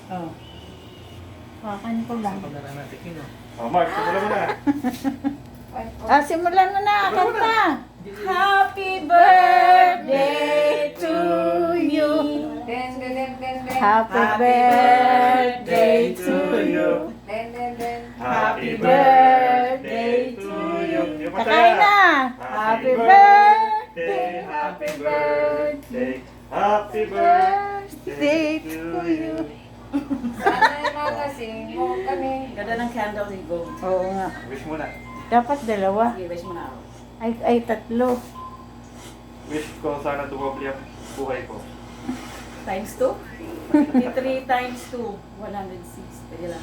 Oh. Hakan ko lang. Mark, simulan mo na. Simulan mo na, kanta. Happy birthday to you. Den, den, den, den, den. Happy birthday to you. Den, den, den. Happy birthday to you. Kakain na. Happy birthday, happy birthday, Happy birthday to you. Sana nalasing mo kami. Ganda ng candle ni Go. Oo nga. Wish mo na. Dapat dalawa. Sige, wish mo na ako. Ay, tatlo. Wish ko sana dumabli ang buhay ko. Times 2? 3 times 2. 106. Pwede lang.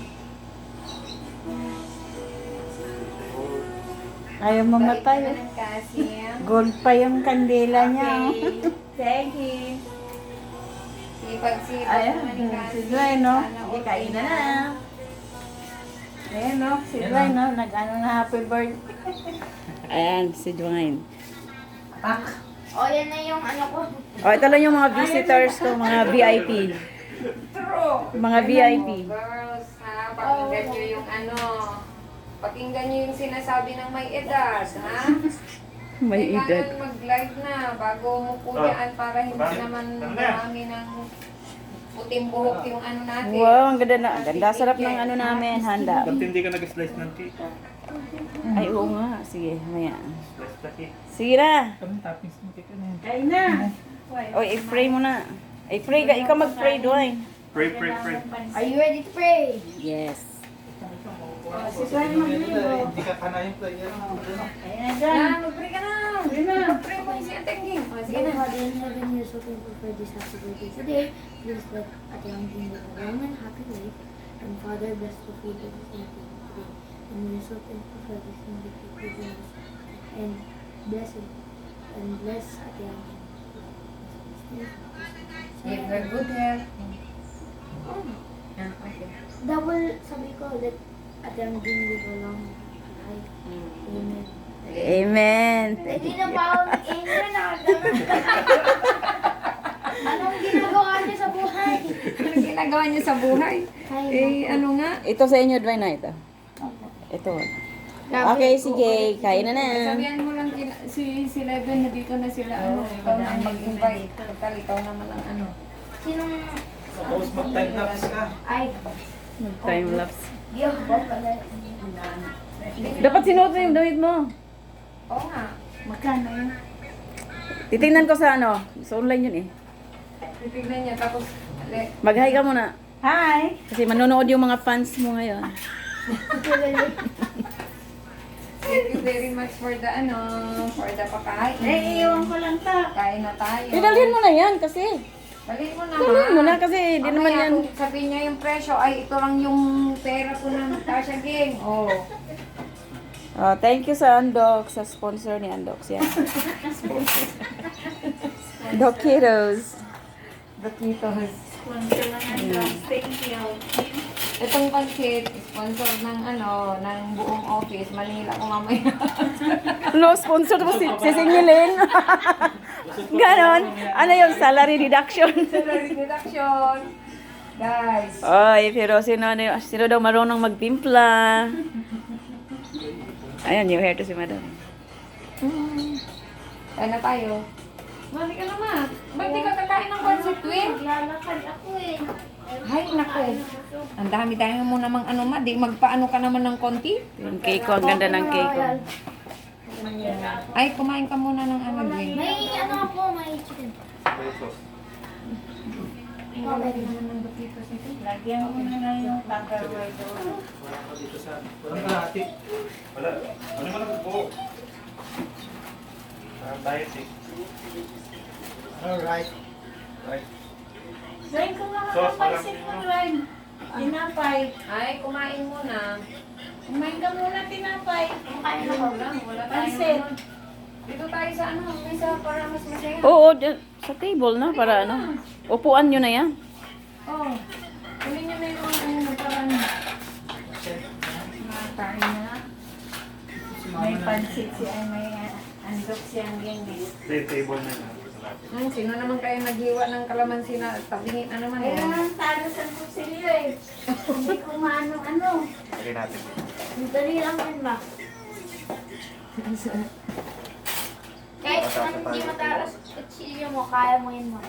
Ayaw mamatay. Bait naman ang Cassie. Gold pa yung kandila niya. Okay. Thank you. Sipag-sipag Ayan. naman ni Cassie. Si Joy, no? Sana Okay, kain na na. Ayan, no? Si Dwayne, no? Nag-ano na happy birthday. Ayan, si Dwayne. O, yan na yung ano ko. Oh, ito lang yung mga visitors ko, mga VIP. True. Mga VIP. Girls, ha? Pakinggan nyo yung ano. Pakinggan nyo yung sinasabi ng may edad, ha? May edad. Kailangan mag-live na bago mo punyaan para hindi naman marami ng puting buhok yung ano natin. Wow, ang ganda na. Ang ganda. Sarap ng ano namin, handa. Ba't hindi ka nag-slice ng cake? Ay, oo nga. Sige, maya. Slice na cake. Sige na. Kain na. O, i-pray mo na. I-pray ka. Ikaw mag-pray, Dwayne. Pray, pray, pray. Are you ready to pray? Yes. Si Dwayne maglibo. Hindi ka kanayin player. Ayan na dyan. Na, mag-pray ka na. Mag-pray mo si Ate Ging. O, sige na. Father in heaven, we are so thankful for this happy birthday today. Please let Ate Angkin live a long and happy life. And Father, bless the food that is eating today. And we are so thankful for this thing that you give us. And bless it. And bless Ate Angkin. Give her good health. Oh, Ah, okay. double sabi ko, let Ate Angkin live a long and happy life. Amen. Amen. Hindi na pa ako nag-amen. Anong ginagawa niyo sa buhay? Ano ginagawa niyo sa buhay? Eh, ano nga? Ito sa inyo, Dwayne, na ito. Ito. Okay, sige. Kain na na. Sabihan mo lang si Leven na dito na sila. Ano, ikaw na ang mag-invite. Total, ikaw naman ang ano. Sinong... Suppose mag-time lapse ka. Ay, Time lapse. di ako ba pala? Dapat sinuot mo yung damit mo. Oo nga. Magkano yun? Titingnan ko sa ano. Sa online yun eh. Titignan niya. Tapos, Mag-hi ka muna. Hi! Kasi manonood yung mga fans mo ngayon. thank you very much for the ano, for the pakain. Eh, iwan ko lang ta. Kain na tayo. Pinalhin mo na yan kasi. Dalhin mo na. Dalhin mo na kasi di naman Mamaya yan. kung sabihin niya yung presyo, ay ito lang yung pera ko na Tasha Gang. Oh. Oh, thank you sa Andox, sa sponsor ni Andox. Yan. Dokitos. Bakitos. Sponsor lang ang thank you. Itong pansit, sponsor ng ano, ng buong office, Manila ko mamaya. No, sponsor mo sisingilin. Ganon. Ano yung salary deduction? Salary deduction. Guys. Oy, pero sino daw marunong magtimpla? Ayan, yung hair to si madam. Kain na tayo. Mali ka naman. Ba't di ka kakain ng pansit, Twin? Lalakad ako eh. Ay, naku. Ang dami-dami mo namang ano ma. Di magpaano ka naman ng konti. Yung cake ko, ang ganda ng cake ko. Ay, kumain ka muna ng ano, Twin. May ano ako, may chicken. Wala rin naman ng bakitos nito. Lagyan mo na lang yung Tupperware doon. Walang kalahati. Wala. Ano ba nag-buo? Diet eh. Alright. Right. Dwayne, kung nga Sauce, makapansin mo, walang- Dwayne. Tinapay. Ay, kumain muna. Kumain ka muna tinapay. Kumain ako lang. Wala tayong Pansit. ano. Dito tayo sa ano, mesa para mas masaya. Oo, dyan, sa table na para ano. Upuan nyo na yan. Oh. Kunin nyo na yung mga ano para ano. Makain na. May pansit siya, may andok siyang ganyan. Table na yun. Sino naman kayo naghiwa ng kalamansi na tabingin na naman? Kaya naman talo sa kutsilyo eh. Hindi ko maano-ano. Lagay natin. Dali lang yun ba? Kahit hindi matalas kutsilyo mo, kaya mo yun mo.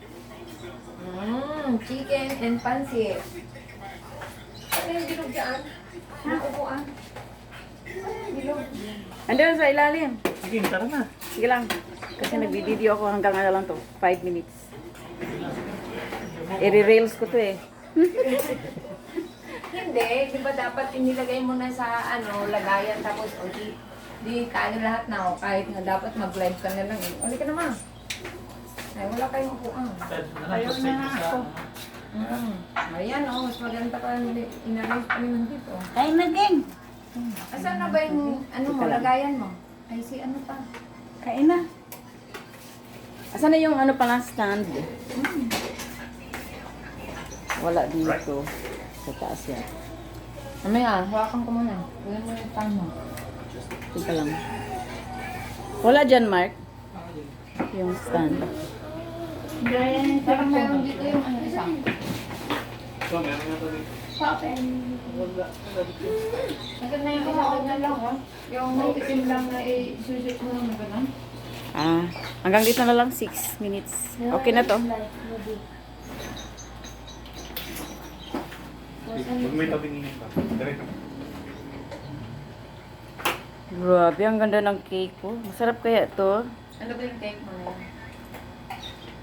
Chicken and pancit. Ano yung bilog dyan? Nakukuan. Bilog. Andun sa ilalim. Sige, tara na. Sige lang. Kasi nagbi-video ako hanggang ano lang to. 5 minutes. I-reels ko to eh. Hindi, di ba dapat inilagay mo na sa lagayan tapos di tayo lahat na kahit na dapat mag-live ka na lang eh. Uli ka naman. Ay, wala kayong upuan. Ayaw na nga ako. Ayan mas maganda pa inarrange pa naman dito. Ay, naging. Asan na ba yung lagayan mo? Ay, si ano pa? Kain na. Asan na yung ano pala stand? Wala dito. Sa taas yan. Mamaya, hawakan ko muna. Kunin mo yung pan mo. Tika lang. Wala dyan, Mark. Yung stand. Ganyan Parang meron dito yung isa. So, meron nga to dito. Maganda yung isa, ganyan lang Yung itim lang na isusut mo lang na gano'n. Hanggang dito na lang 6 minutes. Okay na to. Huwag may tabingin pa. Diretso. Grabe, ang ganda ng cake ko. Masarap kaya to. Ano ba yung cake mo na yun?